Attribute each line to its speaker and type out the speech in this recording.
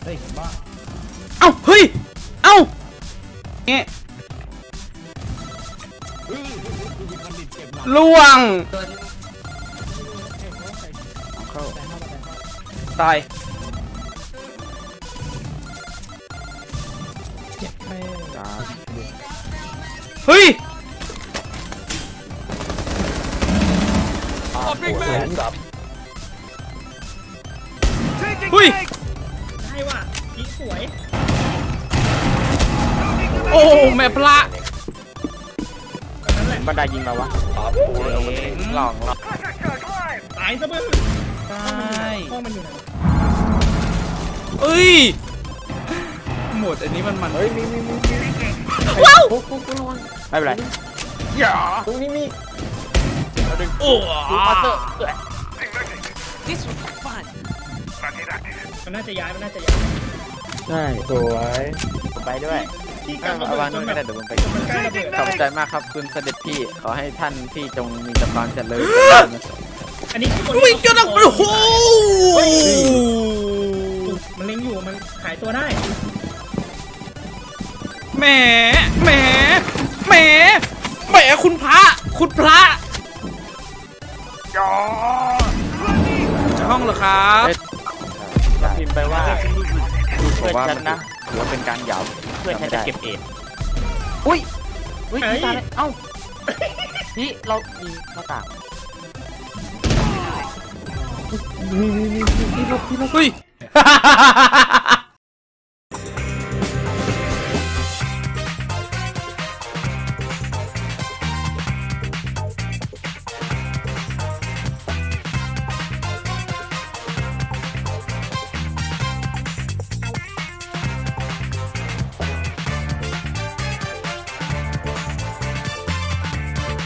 Speaker 1: ฮ้ยบ้า
Speaker 2: เอ้าเฮ้ยเอ้าเนี่ยล่วงเข้าตาย
Speaker 1: เจ็บแม่
Speaker 2: เฮ้ย
Speaker 3: แสนกับ
Speaker 2: เฮ้ย
Speaker 1: ได้ว่ะพีสวย
Speaker 2: โอ้แม่พระ
Speaker 1: นั่นแหละ
Speaker 3: บันไดยิงมาวะหลอง
Speaker 1: ตายซะมึง
Speaker 2: ตาย
Speaker 1: ห้องมันอยู่ไหน
Speaker 2: เอ้ยหมดอันนี้มัน
Speaker 3: เฮ้ยมี
Speaker 2: ว้าว
Speaker 3: ปุ๊บระวังไม่เป็นไรอย่าตรงนี้มี
Speaker 2: โอ้
Speaker 3: มาเตอร์
Speaker 1: มันน่าจะย้ายมันน่าจะย้าย
Speaker 3: ใช่สวยผมไปด้วย
Speaker 1: ที่กลางระ
Speaker 3: เอา
Speaker 1: เบิ
Speaker 3: วา
Speaker 1: ด
Speaker 3: ง
Speaker 1: จ
Speaker 3: นู่
Speaker 1: น
Speaker 3: น
Speaker 1: แบ
Speaker 3: ก็ได้
Speaker 1: บ
Speaker 3: เดี๋ยวผมไป
Speaker 1: มันใกล้ระเบิด
Speaker 3: ขอบใจมากครับคุณเสด็จพี่ขอให้ท่านพี่จงมีแต่ความเจริญ
Speaker 1: อันนี้คือคน
Speaker 2: วิ่งจนแบบโอ้โห
Speaker 1: มันเล็งอยู่มันขายตัวได้
Speaker 2: แหมแหมแหมแหมคุณพระคุณพระห้องเหรอครับ
Speaker 3: พิมพ์ไปว่าเพื่อนฉันนะถือว่าเป็นการหยาบเพื่อนฉันจะเก็บเองอุ้ยตายแล้วเอ้านี่เรามีหน้าต่าง
Speaker 2: เฮ้ย